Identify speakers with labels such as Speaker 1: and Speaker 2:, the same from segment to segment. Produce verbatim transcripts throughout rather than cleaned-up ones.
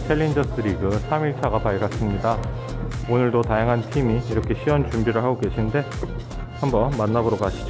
Speaker 1: 챌린저스 리그 삼 일차가 밝았습니다. 오늘도 다양한 팀이 이렇게 시연 준비를 하고 계신데 한번 만나보러 가시죠.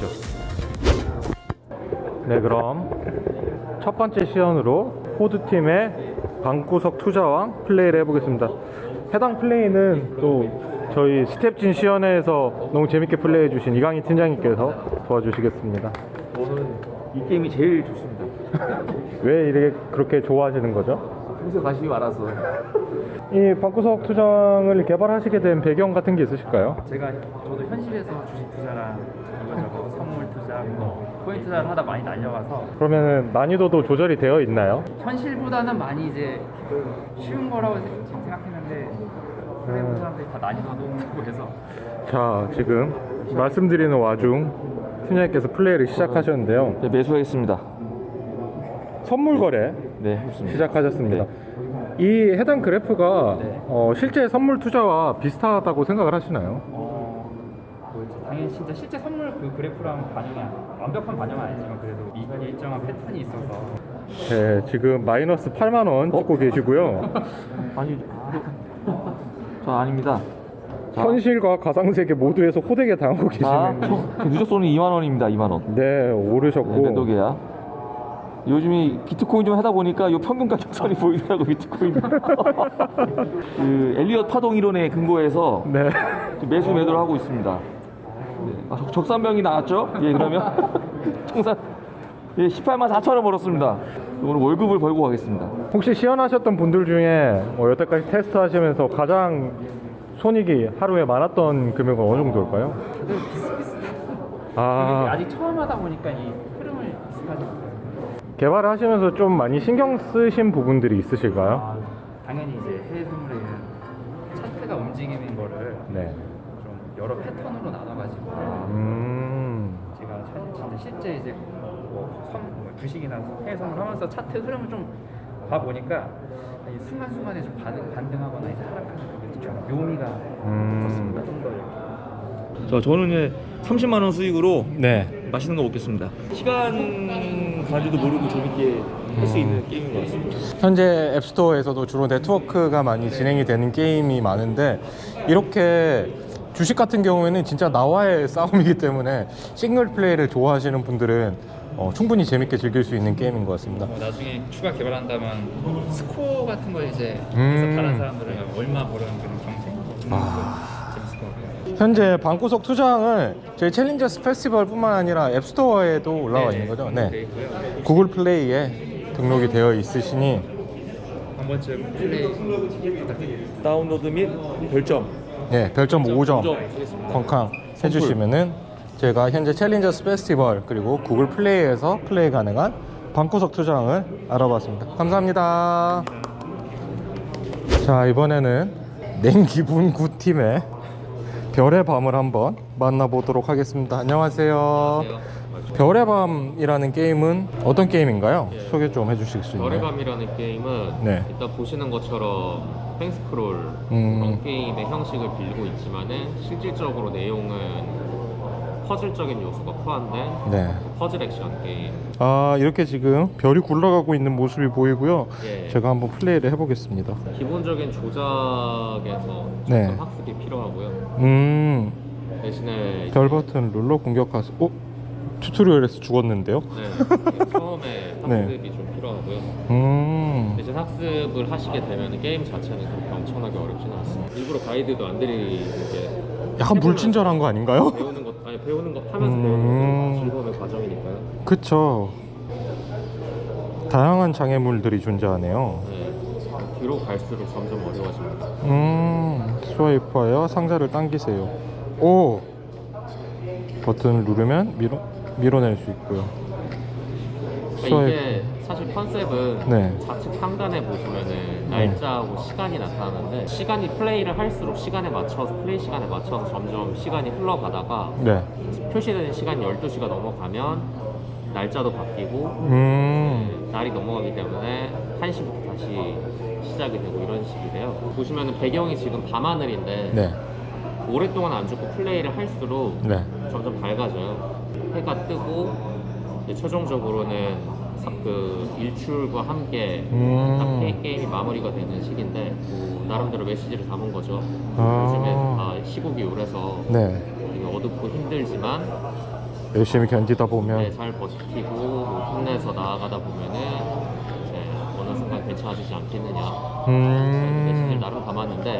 Speaker 1: 네, 그럼 첫 번째 시연으로 호드팀의 방구석 투자왕 플레이를 해보겠습니다. 해당 플레이는 또 저희 스텝진 시연회에서 너무 재밌게 플레이해주신 이강희 팀장님께서 도와주시겠습니다.
Speaker 2: 저는 이 게임이 제일 좋습니다.
Speaker 1: 왜 이렇게 그렇게 좋아하시는 거죠?
Speaker 2: 평소에 관심이 많아서.
Speaker 1: 이 방구석 투장을 개발하시게 된 배경 같은 게 있으실까요?
Speaker 3: 제가 저도 현실에서 주식 투자랑 이거저거 선물 투자, 뭐 코인 투자를 하다 많이 날려가서
Speaker 1: 그러면 난이도도 조절이 되어 있나요?
Speaker 3: 현실보다는 많이 이제 쉬운 거라고 지금 생각했는데 그래도 사람들이 다 난이도가 높다고 해서.
Speaker 1: 자, 지금 말씀드리는 와중 팀장님께서 플레이를 시작하셨는데요.
Speaker 2: 네, 매수하겠습니다.
Speaker 1: 선물 거래
Speaker 2: 네, 좋습니다.
Speaker 1: 시작하셨습니다.
Speaker 2: 네.
Speaker 1: 이 해당 그래프가
Speaker 3: 네.
Speaker 1: 어, 실제 선물 투자와 비슷하다고 생각을 하시나요?
Speaker 3: 어, 뭐 당연히 진짜 실제 선물 그 그래프랑 반영이 안- 완벽한 반영은 아니지만 그래도 이 일정한 패턴이 있어서.
Speaker 1: 네, 지금 마이너스 팔만 원 찍고 계시고요.
Speaker 2: 아니, 저 아닙니다. 자,
Speaker 1: 현실과 가상세계 모두에서 호되게 당하고
Speaker 2: 자,
Speaker 1: 계시는.
Speaker 2: 누적손이 이만 원입니다. 이만 원.
Speaker 1: 네,
Speaker 2: 네,
Speaker 1: 오르셨고.
Speaker 2: 몇 도계야? 요즘에 비트코인 좀 하다 보니까 요 평균 가격선이 보이더라고 비트코인. 그 엘리엇 파동 이론에 근거해서
Speaker 1: 네.
Speaker 2: 매수 매도를 하고 있습니다. 네. 아, 적- 적산병이 나왔죠? 예, 그러면 청산 예, 십팔만 사천 원 벌었습니다. 오늘 월급을 벌고 가겠습니다.
Speaker 1: 혹시 시연하셨던 분들 중에 뭐 여태까지 테스트 하시면서 가장 손익이 하루에 많았던 금액은 어느 정도일까요?
Speaker 3: 다들 비슷비슷한.
Speaker 1: 아,
Speaker 3: 아직 처음 하다 보니까 이 흐름을 비슷하지 못해서.
Speaker 1: 개발을 하시면서 좀 많이 신경 쓰신 부분들이 있으실까요?
Speaker 3: 아, 당연히 이제 해외 선물에는 차트가 움직이는 거를
Speaker 1: 네.
Speaker 3: 좀 여러 패턴으로 나눠가지고
Speaker 1: 음,
Speaker 3: 제가 차- 진짜 실제 이제 뭐 선, 뭐 주식이나 해외 선물 하면서 차트 흐름을 좀 봐보니까 이 순간순간에 좀 반응, 반등하거나 이제 하락하는 그게 좀 묘미가
Speaker 1: 음.
Speaker 3: 있었습니다. 좀 더 이렇게.
Speaker 2: 자, 저는 이제 삼십만 원 수익으로
Speaker 1: 네.
Speaker 2: 맛있는 거 먹겠습니다. 시간 가지도 모르고 재밌게 할 수 있는 게임인 것 같습니다.
Speaker 1: 현재 앱스토어에서도 주로 네트워크가 많이 진행이 되는 게임이 많은데 이렇게 주식 같은 경우에는 진짜 나와의 싸움이기 때문에 싱글 플레이를 좋아하시는 분들은 어, 충분히 재밌게 즐길 수 있는 게임인 것 같습니다.
Speaker 3: 어, 나중에 추가 개발한다면 스코어 같은 걸 이제
Speaker 1: 음.
Speaker 3: 해서 다른 사람들은 얼마 버는 그런 경쟁 있는
Speaker 1: 아.
Speaker 3: 것도 재밌을 것 같아요.
Speaker 1: 현재 방구석 투장을 저희 챌린저스 페스티벌뿐만 아니라 앱스토어에도 올라와
Speaker 3: 네,
Speaker 1: 있는 거죠?
Speaker 3: 네,
Speaker 1: 네.
Speaker 3: 있고요.
Speaker 1: 구글 플레이에 등록이 되어 있으시니
Speaker 3: 한 번쯤 플레이 부탁드립니다.
Speaker 2: 다운로드 및 별점
Speaker 1: 네, 별점 오 점
Speaker 2: 오 점 하겠습니다.
Speaker 1: 쾅쾅 해주시면은 제가 현재 챌린저스 페스티벌 그리고 구글 플레이에서 플레이 가능한 방구석 투장을 알아봤습니다. 감사합니다. 자, 이번에는 냉기분 구 팀의 별의 밤을 한번 만나보도록 하겠습니다. 안녕하세요. 별의 밤이라는 게임은 어떤 게임인가요?
Speaker 4: 예.
Speaker 1: 소개 좀 해주실 수 있나요?
Speaker 4: 별의 밤이라는 게임은
Speaker 1: 네.
Speaker 4: 일단 보시는 것처럼 횡스크롤
Speaker 1: 음.
Speaker 4: 그런 게임의 형식을 빌리고 있지만은 실질적으로 내용은 퍼즐적인 요소가 포함된
Speaker 1: 네.
Speaker 4: 퍼즐 액션 게임.
Speaker 1: 아, 이렇게 지금 별이 굴러가고 있는 모습이 보이고요.
Speaker 4: 예.
Speaker 1: 제가 한번 플레이를 해보겠습니다.
Speaker 4: 기본적인 조작에서 조금
Speaker 1: 네.
Speaker 4: 학습이 필요하고요.
Speaker 1: 음,
Speaker 4: 대신에
Speaker 1: 별 버튼을 눌러 공격하세요. 어? 튜토리얼에서 죽었는데요?
Speaker 4: 네, 처음에
Speaker 1: 네.
Speaker 4: 학습이 좀 필요하고요.
Speaker 1: 음,
Speaker 4: 대신 학습을 하시게 되면 게임 자체는 그렇게 엄청나게 어렵지는 않습니다. 일부러 가이드도 안 드리는 게
Speaker 1: 약간 불친절한 거 아닌가요?
Speaker 4: 배우는 것 아니 배우는 것 하면서
Speaker 1: 음.
Speaker 4: 배우는 거 즐거움의 과정이니까요.
Speaker 1: 그쵸. 다양한 장애물들이 존재하네요.
Speaker 4: 네, 뒤로 갈수록 점점 어려워집니다.
Speaker 1: 음, 스와이프하여 상자를 당기세요. 오! 버튼을 누르면 밀어, 밀어낼 수 있고요.
Speaker 4: 그러니까 이게 사실 컨셉은
Speaker 1: 네.
Speaker 4: 좌측 상단에 보시면은 날짜하고 시간이 나타나는데 시간이 플레이를 할수록 시간에 맞춰서 플레이 시간에 맞춰서 점점 시간이 흘러가다가
Speaker 1: 네.
Speaker 4: 표시되는 시간이 열두 시가 넘어가면 날짜도 바뀌고
Speaker 1: 음,
Speaker 4: 네, 날이 넘어가기 때문에 한 시부터 다시 시작이 되고 이런 식이 돼요. 보시면은 배경이 지금 밤하늘인데
Speaker 1: 네.
Speaker 4: 오랫동안 안 죽고 플레이를 할수록
Speaker 1: 네.
Speaker 4: 점점 밝아져요. 해가 뜨고 이제 최종적으로는 사- 그 일출과 함께
Speaker 1: 음.
Speaker 4: 딱 게- 게임이 마무리가 되는 시기인데 뭐 나름대로 메시지를 담은 거죠.
Speaker 1: 아.
Speaker 4: 요즘에 다 시국이 오래서
Speaker 1: 네.
Speaker 4: 되게 어둡고 힘들지만
Speaker 1: 열심히 견디다 보면
Speaker 4: 네, 잘 버티고 뭐 힘내서 나아가다 보면은 이제 어느 순간 괜찮아지지 않겠느냐. 메시지를
Speaker 1: 음.
Speaker 4: 나름 담았는데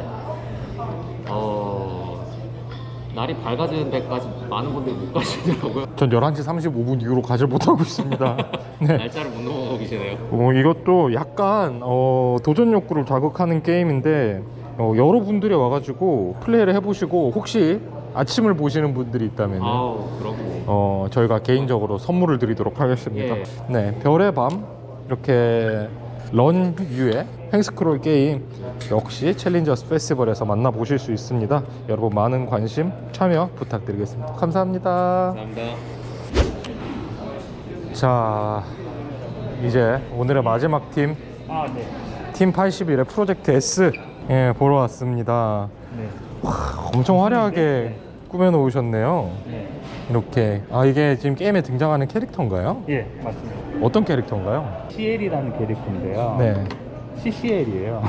Speaker 4: 어 날이 밝아지는 데까지 많은 분들이 못 가시더라고요.
Speaker 1: 전 열한 시 삼십오 분 이후로 가지를 못하고 있습니다. 네.
Speaker 4: 날짜를 못 넘어가고 계시네요.
Speaker 1: 어, 이것도 약간 어, 도전 욕구를 자극하는 게임인데 어, 여러분들이 와가지고 플레이를 해보시고 혹시 아침을 보시는 분들이 있다면
Speaker 4: 아우 그러고
Speaker 1: 어, 저희가 개인적으로 선물을 드리도록 하겠습니다.
Speaker 4: 예.
Speaker 1: 네, 별의 밤 이렇게 런 뷰의 횡스크롤 게임 역시 챌린저스 페스티벌에서 만나보실 수 있습니다. 여러분 많은 관심 참여 부탁드리겠습니다. 감사합니다.
Speaker 4: 감사합니다.
Speaker 1: 자, 이제 오늘의 마지막 팀,
Speaker 5: 아, 네.
Speaker 1: 팀 팔십일의 프로젝트 S 예, 보러 왔습니다.
Speaker 5: 네.
Speaker 1: 엄청 화려하게 꾸며 놓으셨네요.
Speaker 5: 네.
Speaker 1: 이렇게. 아, 이게 지금 게임에 등장하는 캐릭터인가요?
Speaker 5: 예, 맞습니다.
Speaker 1: 어떤 캐릭터인가요?
Speaker 5: 씨엘이라는 캐릭터인데요.
Speaker 1: 네.
Speaker 5: 씨씨엘이에요.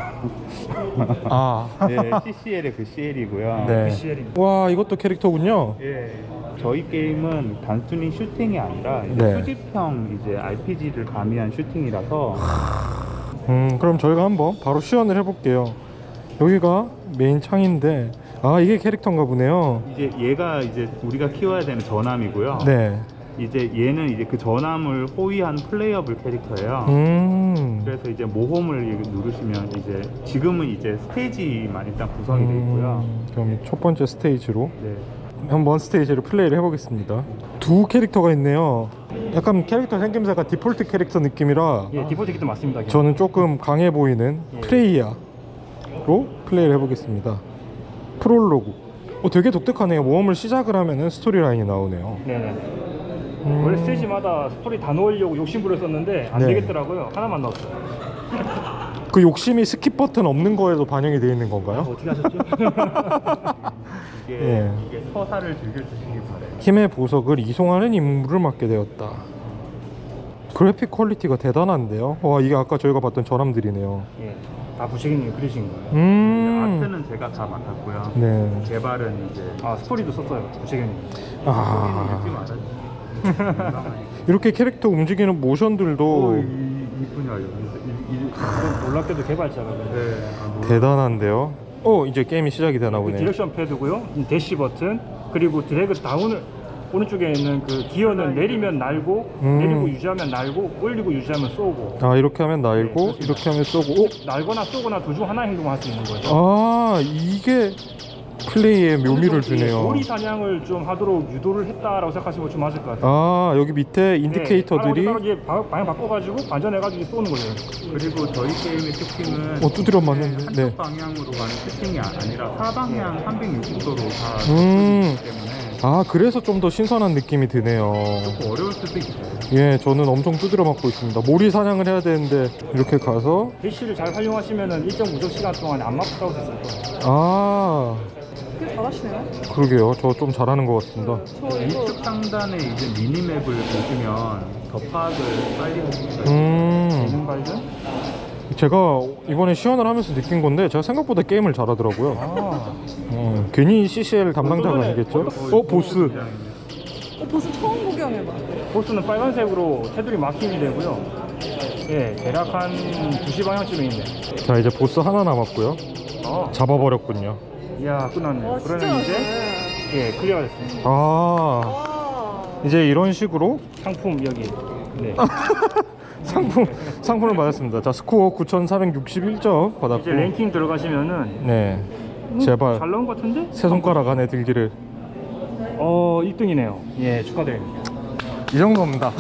Speaker 1: 아,
Speaker 5: 네, 씨씨엘의 그 씨엘이고요.
Speaker 1: 네.
Speaker 5: 씨엘입니다.
Speaker 1: 와, 이것도 캐릭터군요.
Speaker 5: 예. 저희 게임은 단순히 슈팅이 아니라 이제
Speaker 1: 네.
Speaker 5: 수집형 이제 알피지를 가미한 슈팅이라서
Speaker 1: 음, 그럼 저희가 한번 바로 시연을 해볼게요. 여기가 메인 창인데, 아, 이게 캐릭터인가 보네요.
Speaker 5: 이제 얘가 이제 우리가 키워야 되는 전함이고요.
Speaker 1: 네.
Speaker 5: 이제 얘는 이제 그 전함을 호위한 플레이어블 캐릭터예요.
Speaker 1: 음.
Speaker 5: 그래서 이제 모험을 누르시면 이제 지금은 이제 스테이지만 일단 구성이 되어 있고요.
Speaker 1: 음, 그럼 첫 번째 스테이지로
Speaker 5: 네.
Speaker 1: 한번 스테이지를 플레이를 해보겠습니다. 두 캐릭터가 있네요. 약간 캐릭터 생김새가 디폴트 캐릭터 느낌이라
Speaker 5: 예, 디폴트 키도 맞습니다.
Speaker 1: 저는 조금 강해 보이는
Speaker 5: 예.
Speaker 1: 프레이야로 플레이를 해보겠습니다. 프롤로그. 어, 되게 독특하네요. 모험을 시작을 하면은 스토리 라인이 나오네요.
Speaker 6: 네네.
Speaker 1: 음.
Speaker 6: 원래 스테이지마다 스토리 다 넣으려고 욕심부렸었는데 안
Speaker 1: 네.
Speaker 6: 되겠더라고요. 하나만 넣었어요.
Speaker 1: 그 욕심이 스킵 버튼 없는 거에도 반영이 되어 있는 건가요?
Speaker 6: 어떻게 하셨죠?
Speaker 5: 이게,
Speaker 1: 예.
Speaker 5: 이게 서사를 즐겨주시기 바래요.
Speaker 1: 힘의 보석을 이송하는 임무를 맡게 되었다. 그래픽 퀄리티가 대단한데요. 와, 이게 아까 저희가 봤던 전함들이네요.
Speaker 6: 예. 다 부식이님 그리신 거예요.
Speaker 1: 음.
Speaker 5: 아트는 제가 다 맡았고요.
Speaker 1: 네.
Speaker 5: 개발은 이제
Speaker 6: 아 스토리도 썼어요. 부식이님.
Speaker 1: 아.
Speaker 5: 읽지 말아요.
Speaker 1: 이렇게 캐릭터 움직이는 모션들도
Speaker 5: 이분이요.
Speaker 6: 이건 놀랍게도 개발자가 그래요.
Speaker 5: 네. 아, 뭐,
Speaker 1: 대단한데요. 어, 이제 게임이 시작이 되나
Speaker 6: 그
Speaker 1: 보네요.
Speaker 6: 디렉션 패드고요. 이 대시 버튼 그리고 드래그 다운을 오른쪽에 있는 그 기어는 내리면 날고
Speaker 1: 음.
Speaker 6: 내리고 유지하면 날고 올리고 유지하면 쏘고
Speaker 1: 아, 이렇게 하면 날고
Speaker 6: 네,
Speaker 1: 이렇게 하면 쏘고. 어?
Speaker 6: 날거나 쏘거나 둘 중 하나 행동을 할 수 있는 거죠.
Speaker 1: 아, 이게 플레이의 묘미를 주네요.
Speaker 6: 오리 사냥을 좀 하도록 유도를 했다라고 생각하시면 좀 맞을 것 같아요.
Speaker 1: 아, 여기 밑에 인디케이터들이
Speaker 6: 네, 따로 이게 방- 방향 바꿔가지고 반전해가지고 쏘는 거예요.
Speaker 5: 그리고 저희 게임의 특징은
Speaker 1: 어, 두드려 맞는데.
Speaker 5: 한쪽
Speaker 1: 네.
Speaker 5: 방향으로 가는 세팅이 아니라 사방향 삼백육십 도로 다
Speaker 1: 음.
Speaker 5: 음. 때문에
Speaker 1: 아, 그래서 좀 더 신선한 느낌이 드네요.
Speaker 5: 조금 어려울 수도 있어요.
Speaker 1: 예, 저는 엄청 두드려 맞고 있습니다. 몰이 사냥을 해야 되는데 이렇게 가서
Speaker 6: 대시를 잘 활용하시면은 일정 무적 시간 동안 안 맞고 수 있을 거예요.
Speaker 1: 아,
Speaker 7: 되게 잘하시네요.
Speaker 1: 그러게요. 저 좀 잘하는 것 같습니다.
Speaker 7: 저 이거
Speaker 5: 이쪽 상단에 이제 미니맵을 보시면 더 파악을 빨리 할 수가 있어요.
Speaker 1: 음,
Speaker 6: 재능 발전?
Speaker 1: 제가 이번에 시연을 하면서 느낀 건데 제가 생각보다 게임을 잘하더라고요.
Speaker 6: 아,
Speaker 1: 어, 괜히 씨씨엘 담당자가 아니겠죠? 어, 보스.
Speaker 7: 어, 벌써 처음 구경해봐.
Speaker 6: 보스는 빨간색으로 테두리 마킹이 되고요. 예, 대략 한 두 시 방향쯤에 있네.
Speaker 1: 자, 이제 보스 하나 남았고요.
Speaker 6: 어,
Speaker 1: 잡아버렸군요.
Speaker 6: 이야 끝났네.
Speaker 7: 와, 진짜
Speaker 6: 그러면 이제
Speaker 7: 잘하시네.
Speaker 6: 예 클리어가 됐습니다.
Speaker 1: 아,
Speaker 7: 와.
Speaker 1: 이제 이런 식으로
Speaker 6: 상품 여기. 네.
Speaker 1: 상품, 상품을 받았습니다. 자, 스코어 구천사백육십일 점 받았고.
Speaker 6: 이제 랭킹 들어가시면은
Speaker 1: 네.
Speaker 6: 음,
Speaker 1: 제발
Speaker 6: 잘 나온 것 같은데?
Speaker 1: 세 손가락 안에 들기를.
Speaker 6: 어 일 등이네요. 예 축하드립니다.
Speaker 1: 이 정도입니다.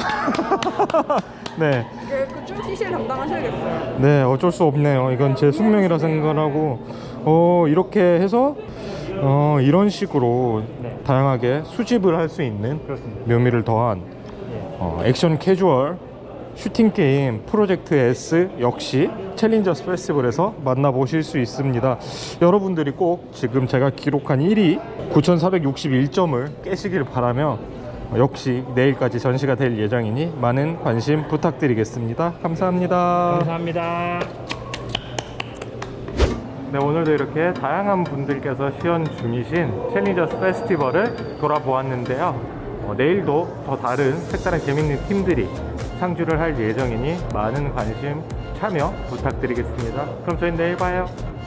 Speaker 1: 네.
Speaker 7: 그좀 티시엘 담당하셔야겠어요.
Speaker 1: 네, 어쩔 수 없네요. 이건 제 숙명이라 생각하고, 어, 이렇게 해서, 어, 이런 식으로
Speaker 6: 네.
Speaker 1: 다양하게 수집을 할 수 있는
Speaker 6: 그렇습니다.
Speaker 1: 묘미를 더한
Speaker 6: 예.
Speaker 1: 어, 액션 캐주얼 슈팅 게임 프로젝트 S 역시 챌린저스 페스티벌에서 만나보실 수 있습니다. 여러분들이 꼭 지금 제가 기록한 일 위 구천사백육십일 점을 깨시길 바라며 역시 내일까지 전시가 될 예정이니 많은 관심 부탁드리겠습니다. 감사합니다.
Speaker 6: 감사합니다.
Speaker 1: 네, 오늘도 이렇게 다양한 분들께서 시연 중이신 챌린저스 페스티벌을 돌아보았는데요. 어, 내일도 더 다른 색다른 재밌는 팀들이 상주를 할 예정이니 많은 관심 참여 부탁드리겠습니다. 그럼 저희 내일 봐요.